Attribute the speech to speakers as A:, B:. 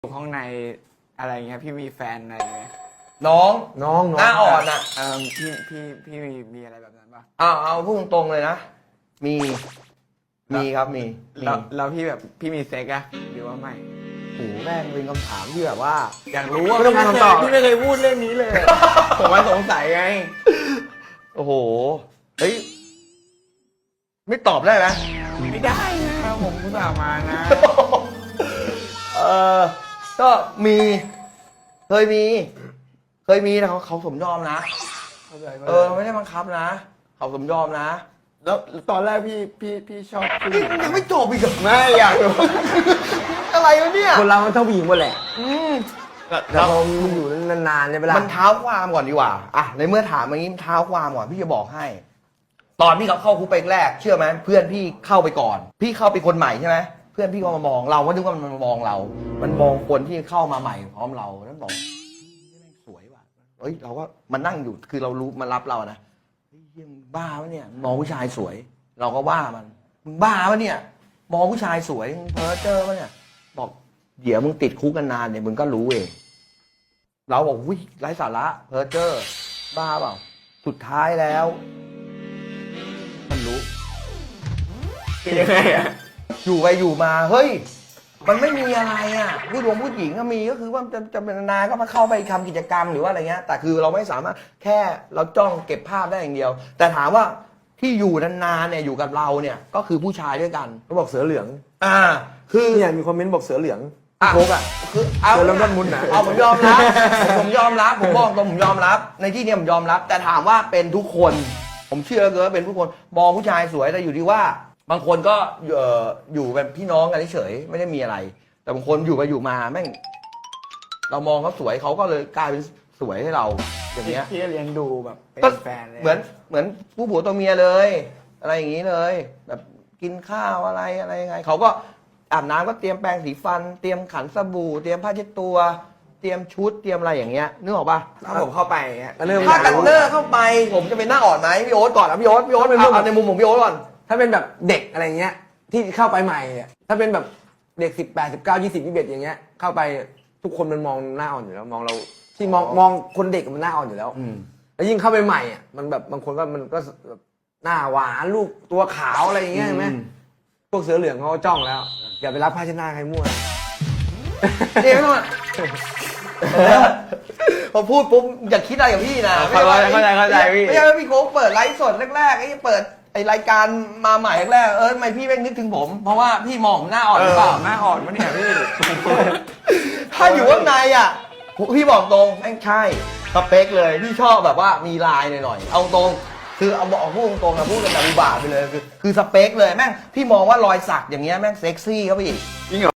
A: อยู่ข้างในอะไรเงี้ยพี่มีแฟนอะไรไหม
B: น้องหน้าอ่อนอ่ะ
A: พี่มีอะไรแบบนั้นป่ะ
B: เอาพูดตรงๆเลยนะมีครับมี
A: แล้วพี่แบบพี่มีเซ็กอะหรือว่าไม่
B: โอ้แม่งเป็นคำถามที่แบบว่า
A: อยากรู้ว่า
B: ไม่ต้องการคำตอบ
A: พี่ไม่เคยพูดเรื่องนี้เลย ผมว่าสงสัยไง
B: โอ้โหเฮ้ยไม่ตอบได้ไหม
A: ไม่ได้นะผมอุตส่าห์มานะ
B: ก็มีเคยมีแต่เขาสมยอมนะไม่ได้บังคับนะเขาสมยอมนะ
A: แล้วตอนแรกพี่ชอบผู้หญิง
B: ยังไม่จบอีกเหรอ
A: ไม่อยากรู้
B: อะไรวะเนี่ย
A: คนเรามันชอบผู้หญิงหมดแหละ
B: แต่พอ
A: มันอยู่นานๆใช่ไหมล่ะ
B: มันเท้าความก่อนดีกว่าอ่ะในเมื่อถามอย่างนี้เท้าความก่อนพี่จะบอกให้ ตอนพี่เข้าคุกไปแรกเชื่อไหมเพื่อนพี่เข้าไปก่อนพี่เข้าไปคนใหม่ใช่ไหมเพื่อนพี่ก็มามองเราก็นึกว่ามันมองเรา มันมองคนที่เข้ามาใหม่พร้อมเราแล้วบอกสวยว่ะเฮ้ยเราก็มันนั่งอยู่คือเรารู้มันรับเรานะเฮ้ยมึงบ้าวะเนี่ยมองผู้ชายสวย เราก็ว่ามันมึงบ้าวะเนี่ยมองผู้ชายสวยมึงเพ้อเจ้อวะเนี่ยบอกเดี๋ยวมึงติดคุกกันนานเนี่ยมึงก็รู้เองเราบอกวิไร้สาระเพ้อเจ้อบ้าเปล่าสุดท้ายแล้วมันรู้
A: ยังไงอะ
B: อยู่ไปอยู่มาเฮ้ยมันไม่มีอะไรอ่ะผู้หญิงก็มีก็คือว่าจะเป็นนานก็มาเข้าไปทำกิจกรรมหรือว่าอะไรเงี้ยแต่คือเราไม่สามารถแค่เราจ้องเก็บภาพได้อย่างเดียว แต่ถามว่าที่อยู่นานๆเนี่ยอยู่กับเราเนี่ยก็คือผู้ชายด้วยกัน
A: เขาบอกเสือเหลือง
B: คือ
A: เนี่ยมีคอมเมนต์บอกเสือเหลือง
B: โคกอ่ะคือเอา
A: เริ่มต้นมุนนะ
B: เอาผมยอมรับผมยอมรับผมบอกตรงผมยอมรับในที่นี้ผมยอมรับแต่ถามว่าเป็นทุกคนผมเชื่อเลยว่าเป็นทุกคนมองผู้ชายสวยแต่อยู่ที่ว่าบางคนก็อยู่แบบพี่น้องกันเฉยไม่ได้มีอะไรแต่บางคนอยู่ไปอยู่มาแม่งเรามองเขาสวยเขาก็เลยกลายเป็นสวยให้เราอย่างเงี้ย
A: พี่เลี้ยงดูแบบเป็นแฟนเลย
B: เหมือนผู้ผัวตัวเมียเลยอะไรอย่างงี้เลยแบบกินข้าวอะไรยังไงเขาก็อาบน้ำก็เตรียมแปรงสีฟันเตรียมขันสบู่เตรียมผ้าเช็ดตัวเตรียมชุดเตรียมอะไรอย่างเงี้ยนึกออกป่ะ
A: ถ้าผมเข้าไป
B: ถ้ากันเนอร์เข้าไปผมจะเป็นหน้าอ่อนไหมพี่โอ๊ตก่อนนะพี่โอ๊ตเป็นเอาในมุมของพี่โอ๊ตก่อน
A: ถ้าเป็นแบบเด็กอะไรเงี้ยที่เข้าไปใหม่ถ้าเป็นแบบเด็ก18 19 20 21อย่างเงี้ยเข้าไปทุกคนมันมองหน้าอ่อนอยู่แล้วมองเราที่มองคนเด็กมันหน้าอ่อนอยู่แล้วแล้วยิ่งเข้าไปใหม่อ่ะมันแบบบางคนก็มันก็หน้าหวานลูกตัวขาวอะไรอย่างเงี้ยใช่ไหมพวกเสือเหลืองเขาจ้องแล้วอย่าไปรับผ้าเช็ดหน้าใครมั่ว
B: เดี๋ยวก่อนพอพูดปุ๊บอย่าคิดอะไรกับพี่นะ
A: เข้าใจพี่
B: ไม่ใช่ว่าพี่โค้กเปิดไลฟ์สดแรกๆไอ้เปิดไอ้รายการมาใหม่แรกทำไมพี่แม่งนึกถึงผมเพราะว่าพี่มองผมหน้าอ่อนหรือเปล่า
A: หน้าอ่อนวะเนี่ยพี่
B: ถ้าอยู่ข้างในอ่ะพี่บอกตรงแม่งใช่สเปคเลยพี่ชอบแบบว่ามีลายหน่อยๆเอาตรงคือเอาบอกพูดตรงนะพูดกันแบบอุบาทไปเลยคือสเปคเลยแม่งพี่มองว่ารอยสักอย่างเงี้ยแม่งเซ็กซี่เข้าไปอีก
A: จริงเหรอ